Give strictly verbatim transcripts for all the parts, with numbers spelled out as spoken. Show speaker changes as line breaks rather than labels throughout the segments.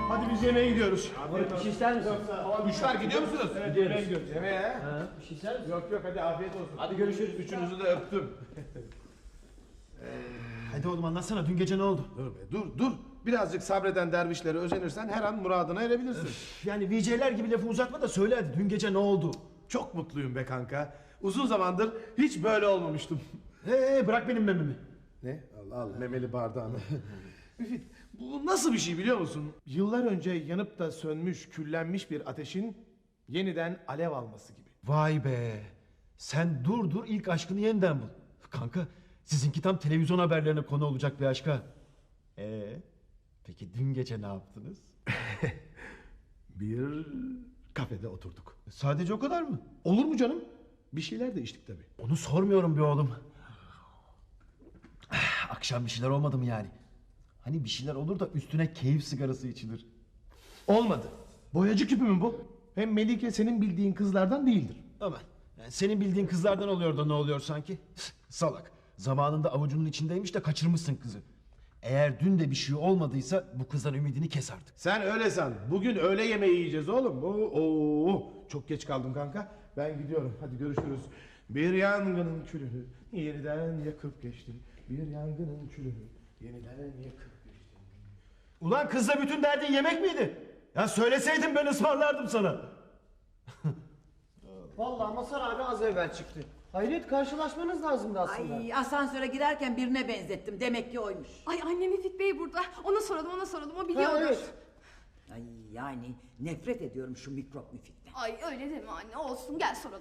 Hadi biz yemeğe gidiyoruz.
Abi bir şey ister misin?
Üçler gidiyor musunuz?
Evet, yemeğe gidiyoruz.
Yemeğe.
Ha, bir şey ister misin?
Yok yok hadi afiyet olsun.
Hadi görüşürüz. Üçünüzü de öptüm.
Hadi oğlum anlatsana dün gece ne oldu?
Dur be dur dur. Birazcık sabreden dervişlere özenirsen her an muradına erebilirsin.
Yani V J'ler gibi lafı uzatma da söyle hadi dün gece ne oldu?
Çok mutluyum be kanka. Uzun zamandır hiç böyle olmamıştım.
Ee bırak benim mememi.
Ne? Al al memeli bardağını. Müfit bu nasıl bir şey biliyor musun? Yıllar önce yanıp da sönmüş, küllenmiş bir ateşin yeniden alev alması gibi.
Vay be. Sen dur dur ilk aşkını yeniden bul. Kanka sizinki tam televizyon haberlerine konu olacak bir aşka. Ee, peki dün gece ne yaptınız?
Bir kafede oturduk.
Sadece o kadar mı?
Olur mu canım? Bir şeyler de içtik tabii.
Onu sormuyorum bir oğlum. Akşam bir şeyler olmadı mı yani? Hani bir şeyler olur da üstüne keyif sigarası içilir.
Olmadı. Boyacı küpü mü bu? Hem Melike senin bildiğin kızlardan değildir.
Aman. Yani senin bildiğin kızlardan oluyor da ne oluyor sanki? Salak. Zamanında avucunun içindeymiş de kaçırmışsın kızı. Eğer dün de bir şey olmadıysa bu kızdan ümidini kes artık.
Sen öyle san. Bugün öğle yemeği yiyeceğiz oğlum. Oo, oo. Çok geç kaldım kanka. Ben gidiyorum. Hadi görüşürüz. Bir yangının külünü yeniden yakıp geçtim. Bir yangının külünü yeniden yakıp geçtim.
Ulan kızla bütün derdin yemek miydi? Ya söyleseydin ben ısmarlardım sana.
Vallahi Mazhar abi az evvel çıktı. Hayret karşılaşmanız lazımdı aslında.
Ay asansöre girerken birine benzettim. Demek ki oymuş.
Ay annem Müfit Bey burada. Ona soralım ona soralım o
Ha,
biliyordur.
evet.
Ay yani nefret ediyorum şu mikrop müfitten.
Ay öyle deme anne olsun gel soralım.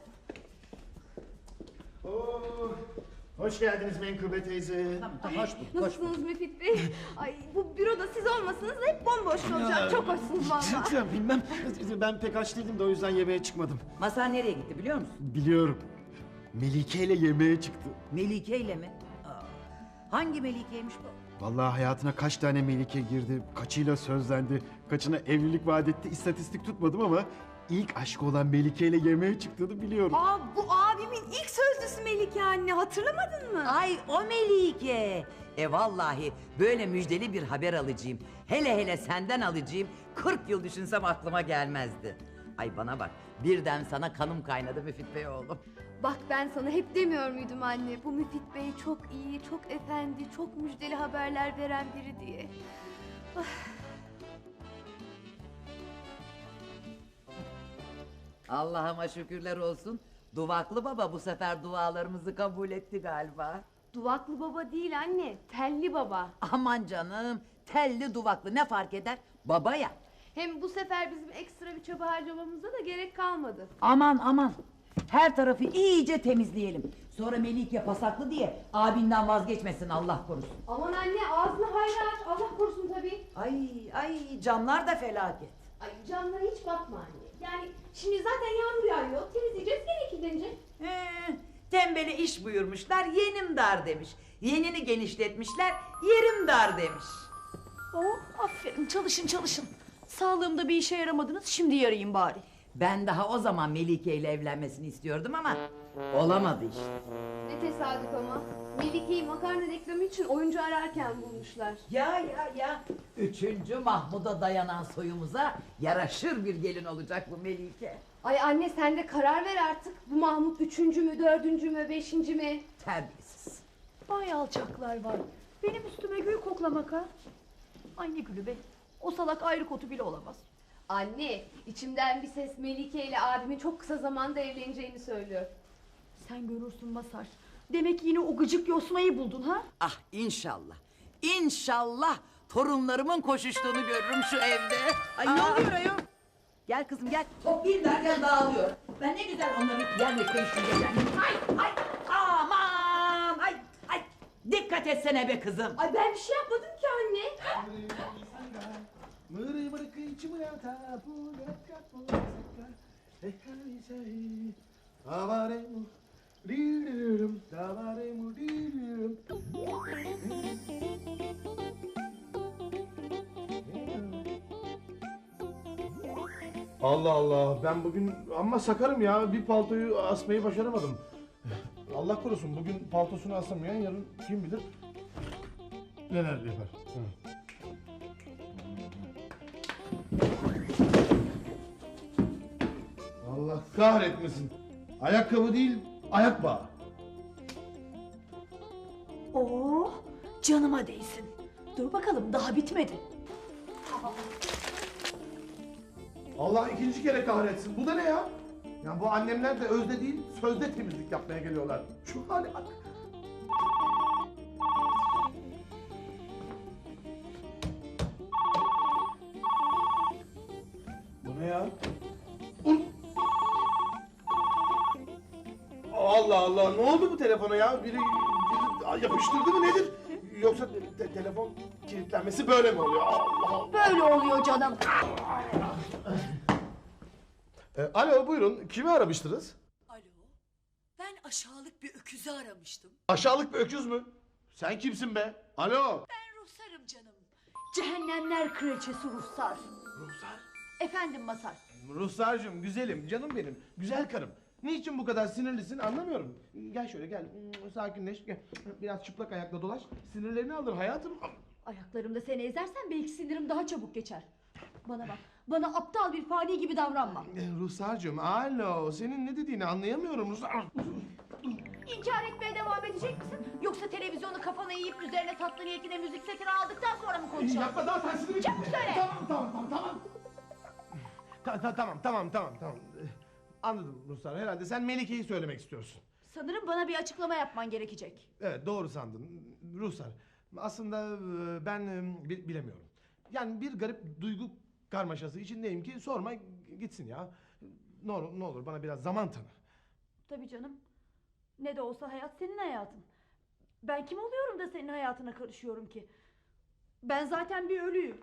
Oo, hoş geldiniz Menkıbe teyze.
Tamam tamam hoş bulduk. Hoş bulduk.
Nasılsınız Müfit Bey? Ay bu büroda siz olmasanız hep bomboş olacak. Çok hoşsunuz valla.
Ya bilmem. Ben pek aç değildim de o yüzden yemeğe çıkmadım.
Masar nereye gitti biliyor musun?
Biliyorum. Melike ile yemeğe çıktı.
Melike ile mi? Aa, hangi Melike'ymiş bu?
Vallahi hayatına kaç tane Melike girdi, kaçıyla sözlendi, kaçına evlilik vaat etti, istatistik tutmadım ama ilk aşkı olan Melike ile yemeğe çıktığını biliyorum.
Aa bu abimin ilk sözlüsü Melike anne hatırlamadın mı?
Ay o Melike. E vallahi böyle müjdeli bir haber alacağım. Hele hele senden alacağım. kırk yıl düşünsem aklıma gelmezdi. Ay bana bak birden sana kanım kaynadı Müfit Bey oğlum.
Bak ben sana hep demiyor muydum anne bu Müfit Bey çok iyi, çok efendi, çok müjdeli haberler veren biri diye.
Allah'ıma şükürler olsun. Duvaklı baba bu sefer dualarımızı kabul etti galiba.
Duvaklı baba değil anne, telli baba.
Aman canım telli duvaklı ne fark eder? Baba ya.
Hem bu sefer bizim ekstra bir çaba harcamamıza da gerek kalmadı.
Aman aman. Her tarafı iyice temizleyelim. Sonra Melike pasaklı diye abinden vazgeçmesin Allah korusun.
Aman anne ağzını hayra aç, Allah korusun tabii.
Ay ay camlar da felaket.
Ay camlara hiç bakma anne. Yani şimdi zaten yağmur yağıyor, temizleyeceğiz gene kirlenecek.
Ee, tembele iş buyurmuşlar yenim dar demiş. Yenini genişletmişler yerim dar demiş.
Oh aferin çalışın çalışın. Sağlığımda bir işe yaramadınız şimdi yarayayım bari.
Ben daha o zaman Melike ile evlenmesini istiyordum ama olamadı işte.
Ne tesadüf ama. Melike'yi makarna reklamı için oyuncu ararken bulmuşlar.
Ya ya ya. Üçüncü Mahmud'a dayanan soyumuza yaraşır bir gelin olacak bu Melike.
Ay anne sen de karar ver artık. Bu Mahmut üçüncü mü, dördüncü mü, beşinci mi?
Terbiyesiz.
Vay alçaklar var. Benim üstüme gül koklamak ha. Ay ne gülü be. O salak ayrı kotu bile olamaz.
Anne, içimden bir ses Melike ile abimin çok kısa zamanda evleneceğini söylüyor.
Sen görürsün Masar. Demek yine o gıcık yosmayı buldun ha?
Ah inşallah. İnşallah torunlarımın koşuştuğunu görürüm şu evde. Ay ne oluyor ayol? Gel kızım gel. Toplayayım derken dağılıyor. Ben ne güzel onları yerle değiştireceğim. Ay ay aman ay ay. Dikkat etsene be kızım.
Ay ben bir şey yapmadım ki anne.
Allah Allah ben bugün amma sakarım ya bir paltoyu asmayı başaramadım. Allah korusun bugün paltosunu asamayan yarın kim bilir neler yapar. Hı. kahretmesin. Ayakkabı değil, ayak bağı.
Oo, canıma değsin. Dur bakalım daha bitmedi.
Allah ikinci kere kahretsin. Bu da ne ya? Ya bu annemler de özde değil, sözde temizlik yapmaya geliyorlar. Şu hale bak. Bu ne ya? Ul- Allah Allah, ne oldu bu telefona ya? Biri, biri yapıştırdı mı nedir? Yoksa te- telefon kilitlenmesi böyle mi oluyor? Allah Allah.
Böyle oluyor canım.
E, alo buyurun, kimi aramıştınız?
Alo, ben aşağılık bir öküzü aramıştım.
Aşağılık bir öküz mü? Sen kimsin be? Alo.
Ben Ruhsar'ım canım. Cehennemler kraliçesi Ruhsar.
Ruhsar.
Efendim Masar.
Ruhsarcığım, güzelim, canım benim, güzel karım. Niçin bu kadar sinirlisin anlamıyorum. Gel şöyle gel, Hmm, sakinleş, gel. Biraz çıplak ayakla dolaş, sinirlerini alır hayatım.
Ayaklarımda seni ezersen belki sinirim daha çabuk geçer. Bana bak, bana aptal bir fani gibi davranma.
E, Ruhsarcığım, alo, senin ne dediğini anlayamıyorum Ruhsar.
İnkar etmeye devam edecek misin? Yoksa televizyonu kafana yiyip üzerine tatlı niyetine müzik setini aldıktan sonra mı konuşalım?
Yapma daha tersini
Çabuk söyle.
Tamam, tamam, tamam, tamam. Ta- ta- tamam, tamam, tamam, tamam. E, Anladım Ruhsar, herhalde sen Melike'yi söylemek istiyorsun.
Sanırım bana bir açıklama yapman gerekecek.
Evet doğru sandın Ruhsar. Aslında e, ben e, bi- bilemiyorum. Yani bir garip duygu karmaşası içindeyim ki sorma gitsin ya. Ne olur, ne olur bana biraz zaman tanı.
Tabii canım. Ne de olsa hayat senin hayatın. Ben kim oluyorum da senin hayatına karışıyorum ki? Ben zaten bir ölüyüm.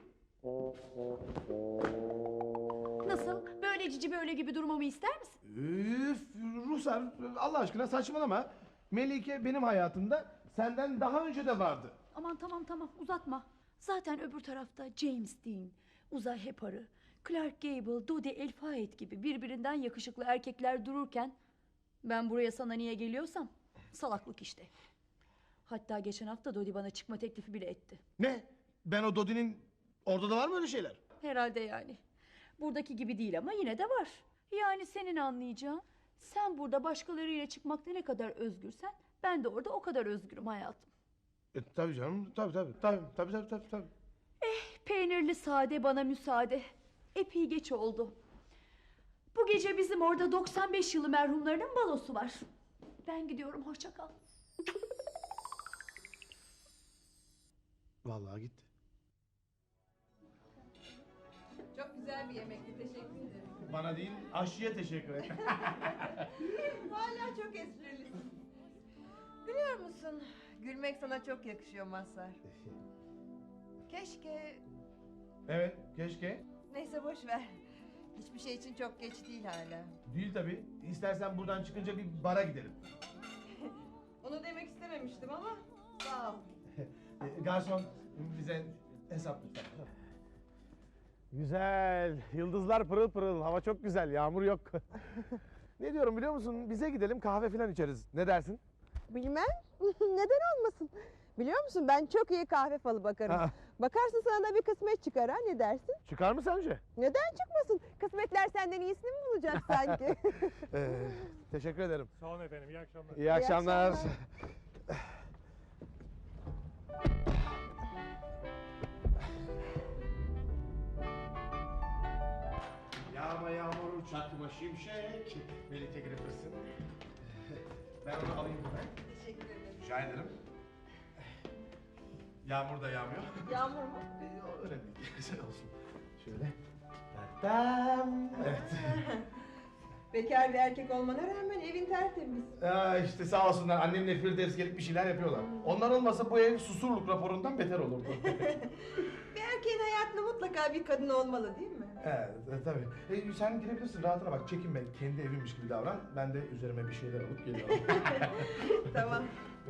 Nasıl? Böyle cici böyle gibi durmamı ister misin?
Üf Ruhsar Allah aşkına saçmalama. Melike benim hayatımda senden daha önce de vardı.
Aman tamam tamam uzatma. Zaten öbür tarafta James Dean, Uzay Heparı, Clark Gable, Dodi El Fayed gibi birbirinden yakışıklı erkekler dururken ben buraya sana niye geliyorsam salaklık işte. Hatta geçen hafta Dodi bana çıkma teklifi bile etti.
Ne? Ben o Dodi'nin orada da var mı öyle şeyler?
Herhalde yani. Buradaki gibi değil ama yine de var. Yani senin anlayacağın, sen burada başkalarıyla çıkmakta ne kadar özgürsen ben de orada o kadar özgürüm hayatım.
E, tabii canım tabii tabii tabii tabii tabii tabii. tabii.
Peynirli sade bana müsaade. Epey geç oldu. Bu gece bizim orada doksan beş yılı merhumlarının balosu var. Ben gidiyorum, hoşça kal.
Vallahi gitti.
Çok güzel bir yemekti, teşekkür ederim.
Bana değil aşçıya teşekkür et.
Hala çok esprilisin. Biliyor musun, gülmek sana çok yakışıyor Mazhar. Keşke...
Evet keşke.
Neyse boş ver. Hiçbir şey için çok geç değil hala.
Değil tabii. İstersen buradan çıkınca bir bara gidelim.
Onu demek istememiştim ama sağ ol.
E, Garson bize hesap lütfen. Güzel. Yıldızlar pırıl pırıl. Hava çok güzel. Yağmur yok. Ne diyorum biliyor musun? Bize gidelim kahve falan içeriz. Ne dersin?
Bilmem. Neden olmasın? Biliyor musun ben çok iyi kahve falı bakarım.
Ha.
Bakarsın sana da bir kısmet çıkar ha, ne dersin?
Çıkar mı sence?
Neden çıkmasın? Kısmetler senden iyisini mi bulacak sanki?
Ee, teşekkür ederim.
Sağ olun efendim, iyi akşamlar.
İyi akşamlar.
akşamlar.
Yağma yağmur çakma şimşek. Melike Gripper'sın. Ben onu alayım hemen.
Teşekkür ederim.
Rica ederim. Yağmur da yağmıyor.
Yağmur mu?
Ee, o önemli değil. Güzel olsun. Şöyle. Tam. Evet.
Bekar bir erkek olmana rağmen evin tertemiz.
Aa, işte sağ olsunlar annemle Firdevs gelip bir şeyler yapıyorlar. Onlar olmasa bu ev susurluk raporundan beter olurdu.
Bir erkeğin hayatında mutlaka bir kadın olmalı değil mi?
Evet e, tabii. E, sen girebilirsin rahatına bak çekinme kendi evimmiş gibi davran. Ben de üzerime bir şeyler alıp geliyorum.
Tamam.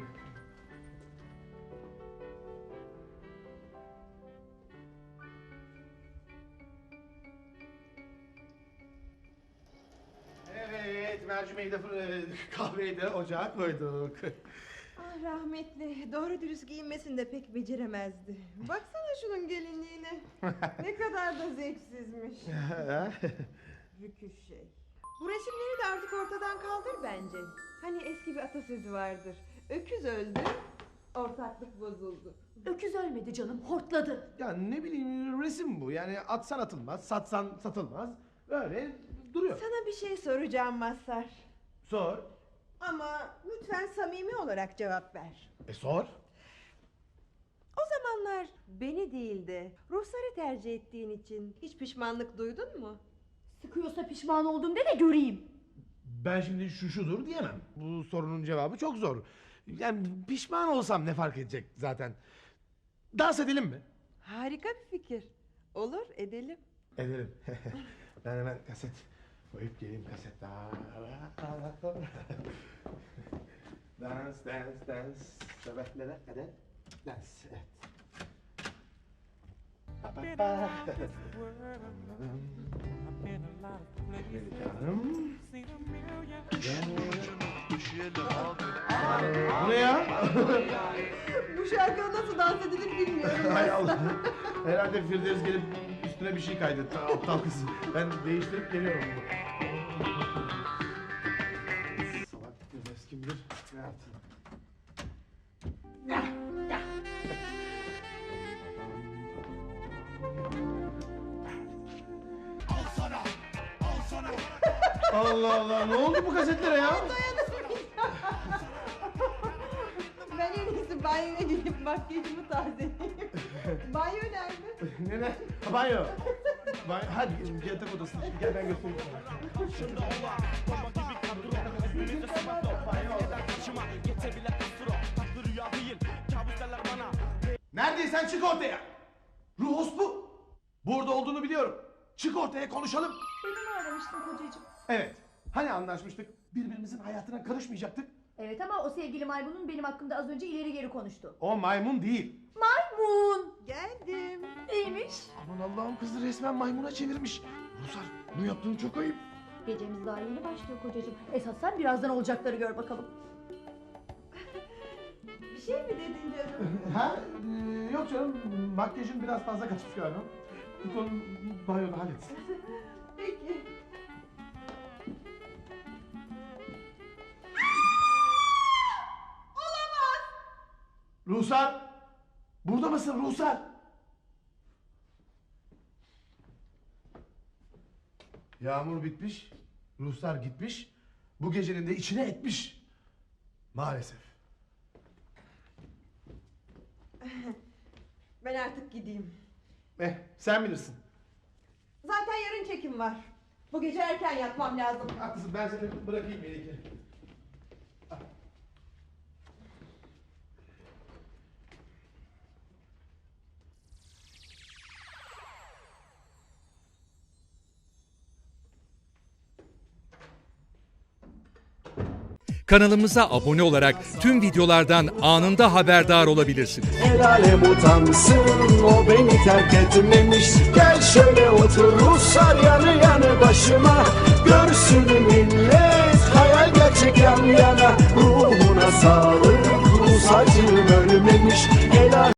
Evet mercimeği de fır- e, kahveyi de ocağa koyduk.
Ah rahmetli, doğru dürüst giyinmesini de pek beceremezdi. Baksana şunun gelinliğine. Ne kadar da zevksizmiş. Rüküş şey. Bu resimleri de artık ortadan kaldır bence. Hani eski bir atasözü vardır. Öküz öldü, ortaklık bozuldu.
Öküz ölmedi canım, hortladı.
Ya ne bileyim resim bu. Yani atsan atılmaz, satsan satılmaz. Öyle duruyor.
Sana bir şey soracağım Mazhar.
Sor.
Ama lütfen samimi olarak cevap ver.
E sor.
O zamanlar beni değil de Ruhsar'ı tercih ettiğin için hiç pişmanlık duydun mu?
Sıkıyorsa pişman oldum de de göreyim.
Ben şimdi şu şudur diyemem. Bu sorunun cevabı çok zor. Yani pişman olsam ne fark edecek zaten. Dans edelim mi?
Harika bir fikir. Olur, edelim.
Edelim. Ben hemen kaset koyup geleyim kaset. Dans, dans, dans. Sabahlere kadar dans. Evet. Melike Hanım. Bu ne ya?
Bu şarkı nasıl dans edilir bilmiyorum.
Hay Allah. Herhalde Firdevs gelip üstüne bir şey kaydetti. Aptal kız. Ben değiştirip geliyorum bunu. Salak Firdevs kim bilir ne yaptı? Allah Allah, ne oldu bu kasetlere ya?
Ben en iyisi banyoya gidip makyajımı tazeleyeyim. Banyo nerede?
Ne ne? Ha, banyo. Banyo. Hadi yatak odasına. Şimdi gel ben göstereyim sana. Neredeysen çık ortaya. Ruhos bu. Burada olduğunu biliyorum. Çık ortaya konuşalım.
Beni mi aramıştın kocacığım?
Evet. Hani anlaşmıştık? Birbirimizin hayatına karışmayacaktık.
Evet ama o sevgili maymunun benim hakkımda az önce ileri geri konuştu.
O maymun değil.
Maymun!
Geldim.
Neymiş?
Aman Allah'ım, kızı resmen maymuna çevirmiş. Rusar, bunu yaptığın çok ayıp.
Gecemiz daha yeni başlıyor kocacığım. Esas sen birazdan olacakları gör bakalım.
Bir şey mi dedin canım?
Ha? Ee, yok canım, makyajın biraz fazla kaçmış galiba. Git onu banyoda halletsin.
Peki.
Ruhsar! Burada mısın Ruhsar? Yağmur bitmiş, Ruhsar gitmiş, bu gecenin de içine etmiş. Maalesef.
Ben artık gideyim.
Eh, sen bilirsin.
Zaten yarın çekim var. Bu gece erken yatmam lazım.
Haklısın, ben seni bırakayım Melike.
Kanalımıza abone olarak tüm videolardan anında haberdar olabilirsiniz.
El alem utansın, o beni terk etmemiş. Gel şöyle otur Ruslar yanı yanı başıma. Görsün millet, hayal gerçek yan yana. Ruhuna sağlık, Rus acım ölmemiş. El alem